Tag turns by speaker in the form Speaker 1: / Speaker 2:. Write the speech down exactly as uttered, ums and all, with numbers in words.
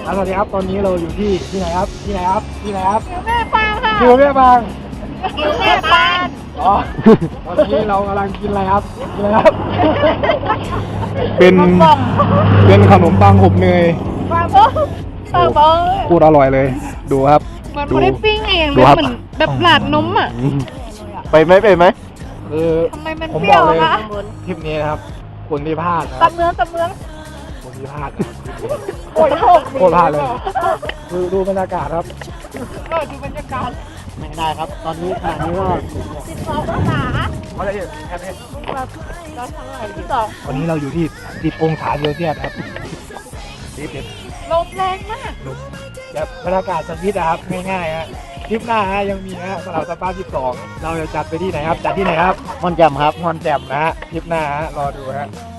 Speaker 1: สวัสดีครับตอนนี้เราอยู่ที่ที่ไหนครับที่ไหนครับที่ไหนครับ
Speaker 2: แม่ปางค่ะ
Speaker 1: ที่แม่บาง
Speaker 2: แม่ปาง
Speaker 1: อ๋อตอนนี้เรากำลังกินอะไรครับกินอะไรครับ
Speaker 3: เป็นเป็นขนมปังอบเนย
Speaker 2: ปางบ้องปางบ้อง
Speaker 3: พูดอร่อยเลย ดูครับ
Speaker 2: มัน
Speaker 3: ดู
Speaker 2: ไม่ได้ปิ้งเอง
Speaker 3: ดู
Speaker 2: เลย
Speaker 3: ครับ
Speaker 2: เหมือนแบบหลาดนมอ่ะ
Speaker 3: ไปไหมไปไหม
Speaker 1: คือ
Speaker 2: ทำไมมัน
Speaker 1: ผม
Speaker 2: เปรี้
Speaker 1: บ
Speaker 2: ย
Speaker 1: อ
Speaker 2: ว
Speaker 1: กเลย
Speaker 2: คะ
Speaker 1: ทริปนี้นะครับคนที่พลาดนะค
Speaker 2: ตั
Speaker 1: รั
Speaker 2: บบ เมืองตับเมือง
Speaker 1: คนที่พลาดนะครับ
Speaker 2: โอ้ยโหก
Speaker 1: โคตรพลาดเลยดูดูบรรยากาศครับ
Speaker 2: เออดูบรรยากาศ
Speaker 1: ไม่ได้ครับ ตอนนี้ขณะนี้ก็
Speaker 2: สิบสององศา
Speaker 1: เขาจะเห็นแค่นี้
Speaker 2: แบบเราทำอะไรที่สอง
Speaker 1: วันนี้เราอยู่ที่สิบองศาเซลเซียสครับสิบเอ็ด
Speaker 2: ลมแรงมาก
Speaker 1: แบบบรรยากาศสวิตนะครับง่ายๆฮะทริปหน้าฮะยังมีฮะสำหรับสปาสิบสองเราจะจัดไปที่ไหนครับจัดที่ไหนครับ
Speaker 3: ม่อนแจ่มครับ
Speaker 1: งอนแจ่มนะฮะทริปหน้าฮะรอดูฮะ